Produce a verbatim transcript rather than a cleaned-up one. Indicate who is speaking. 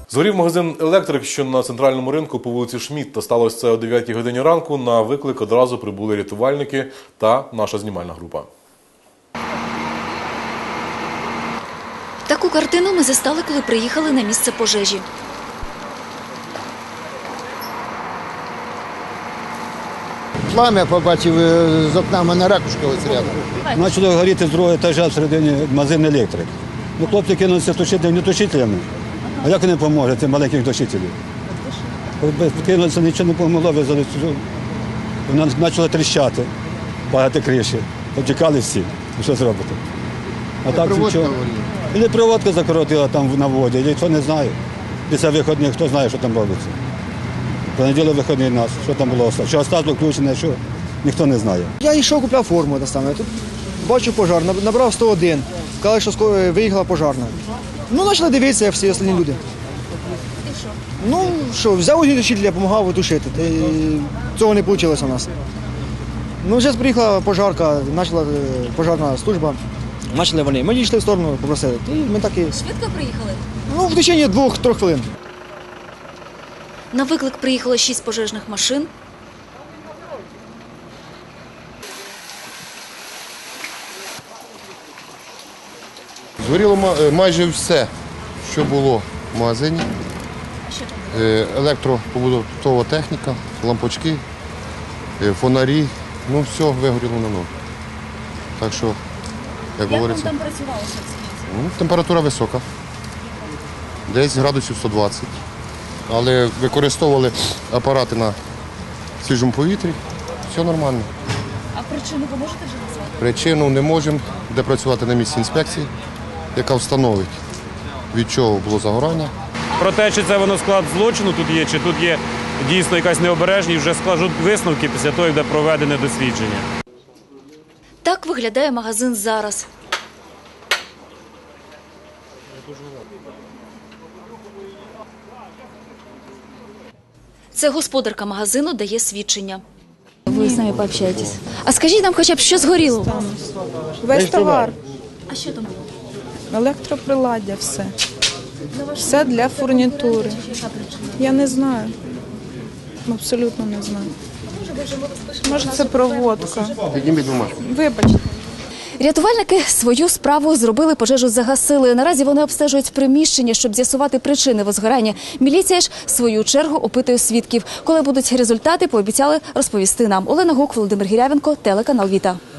Speaker 1: Згорів магазин «Електрик», що на центральному ринку по вулиці Шмідта. Сталося це о дев'ятій годині ранку. На виклик одразу прибули рятувальники та наша знімальна група.
Speaker 2: Таку картину ми застали, коли приїхали на місце пожежі.
Speaker 3: Плам'я побачив з окна, в мене ракушка ось рядом.
Speaker 4: Почали горіти з другого етажа всередині магазин «Електрик». Ну, хлопці кинулися тушити не тушителями. А як вони поможуть, цим маленьких тушителів? Кинулися, нічого не допомогло, вона почала тріщати, багато криші. Потікали всі. Що зробити? А так нічого. І проводка закоротила там на воді, ніхто не знає. Після виходних, хто знає, що там робиться. Понеділок виходний нас, що там було, що осталось включене, що ніхто не знає.
Speaker 5: Я йшов, купляв форму, тут бачу пожар, набрав сто один, сказали, що виїхала пожарна. Ну, почали дивитися, як всі інші люди.
Speaker 2: І що?
Speaker 5: Ну, що, взяв утушитель, допомагав тушити. Цього не вийшло у нас. Ну, зараз приїхала пожарка, почала пожарна служба. Почали вони. Ми йшли в сторону, попросили. І ми так і...
Speaker 2: Швидко приїхали?
Speaker 5: Ну, в течение двох-трьох хвилин.
Speaker 2: На виклик приїхало шість пожежних машин.
Speaker 6: Згоріло майже все, що було в магазині. Електропобутова техніка, лампочки, фонарі. Ну, все вигоріло на ноль. Так що, як говориться,
Speaker 2: там працювалося?
Speaker 6: ну, температура висока, десь градусів сто двадцять. Але використовували апарати на свіжому повітрі, все нормально.
Speaker 2: А причину ви можете вже назвати?
Speaker 6: Причину не можемо, де працювати на місці інспекції, яка встановить, від чого було загорання.
Speaker 7: Про те, чи це воно склад злочину тут є, чи тут є дійсно якась необережність, вже скажуть висновки після того, як буде проведене дослідження.
Speaker 2: Так виглядає магазин зараз. Це господарка магазину дає свідчення.
Speaker 8: Ви з нами пообщаєтесь. А скажіть нам хоча б, що згоріло?
Speaker 9: Весь товар,
Speaker 2: А що там було?
Speaker 9: електроприладдя, все. Все для фурнітури. Я не знаю. Абсолютно не знаю. Може, це проводка.
Speaker 6: Підніміть бумажку.
Speaker 9: Вибачте.
Speaker 8: Рятувальники свою справу зробили, пожежу загасили. Наразі вони обстежують приміщення, щоб з'ясувати причини возгорання. Міліція ж в свою чергу опитує свідків. Коли будуть результати, пообіцяли розповісти нам. Олена Гук, Володимир Гірявенко, телеканал «Віта».